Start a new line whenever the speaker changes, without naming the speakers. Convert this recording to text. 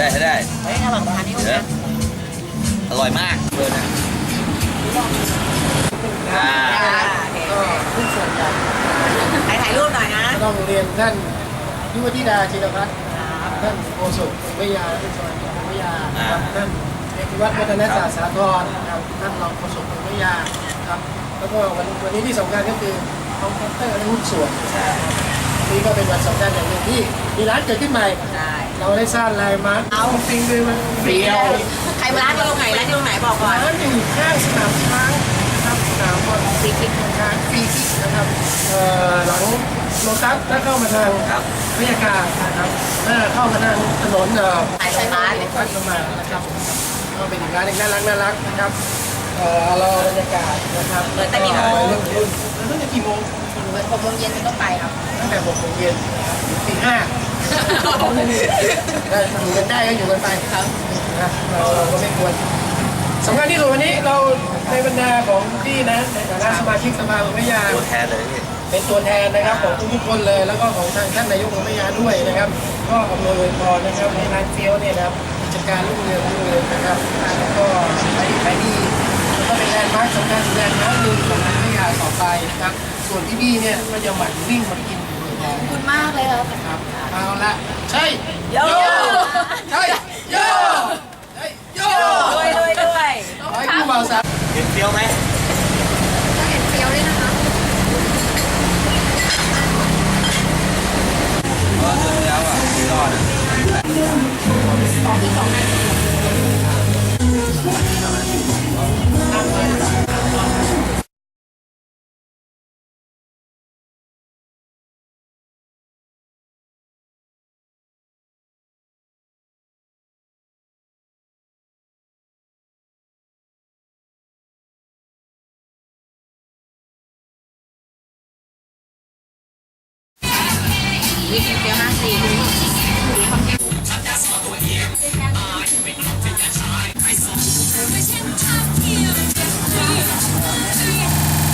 ได้ให้ได้
เฮ้ยระหว่างทานนี่โอเค
อร่อยมากเลยนะอ่า
ก็ผู้ส่วนใหญ่
ถ่ายรูปหน่อยนะ
ก็ต้องเรียนท่านยุวธิดาจิรพัฒน์ท่านโฆษกวิทยาท่านสวัสดิ์วิทยาครับท่านเอกวัฒน์วัฒนศาสตร์สาธรครับท่านรองโฆษกวิทยาครับแล้วก็วันนี้ที่สำคัญก็คือคอมพิวเตอร์และหุ้นส่วนนี่ก็เป็นวันสำคัญอย่างหนึ่งที่มีร้านเกิดขึ้นใหม่
ได้
เราได้สร้างแลนด์มาร์ค
เอา
จริงเลยมันเปรี้ยว
ใครมาร้านที่ตรงไหนร้านที่ตรงไหนบอกก่อน
ร้านอยู่ข้างสนามช้างนะครับสนามบอลฟรีคิกช้างฟรีคิกนะครับหลังโลตัสถ้าเข้ามาทาง
ครับ
บรรยากาศนะครับถ้าเข้ามาทางถนน
สายไฟฟ้า
วัดประมาณนะครับก็เป็นอีกร้านหนึงน่ารักนะครับรอบรรยากาศนะครับ
เปิดแต่กี่โมง
รุ่นแล้วตั้งแต่กี่โมง
6 โมงเย็นเป็นต้นไปครับ
ตั้งแต่6 โมงเย็นนะครับถึงตี 5ได้อยู่กันได้ก็อยู่กันไป
ครับ
นะเราก็ไม่ควรสำคัญที่สุดวันนี้เราในบรรดาของพี่นะในฐานะสมาชิกสภาเมืองพัทยา
ตัวแทนเลยพี่
เป็นตัวแทนนะครับของทุกๆคนเลยแล้วก็ของทางท่านนายกเมืองพัทยาด้วยนะครับ ก็อำนวยอวยพรนะครับให้ร้านเฟี้ยวเนี่ยนะครับกิจการรุ่งเรืองนะครับแล้วก็ขายดีแล้วก็เป็นแลนด์มาร์คสำคัญแลนด์มาร์คหนึ่งของพัทยาต่อไปนะครับส่วนพี่ๆเนี่ยก็จะหมั่นวิ่งมากินอยู่บ่อย
ขอบคุณมากเลยครับ
ๆนะครับเอาละใช่
โย
ใช่โยใช่โย
ด้วยด้วยด้วย
ขอให้ผู้บ่าวสาว
เห็นเปรี้ยวไหม
จะเห็นเฟี้ยวด้วยนะคะ
ก็เจอแล้วอ่ะรอดอ่ะ
วิ่งเฟี้ยว54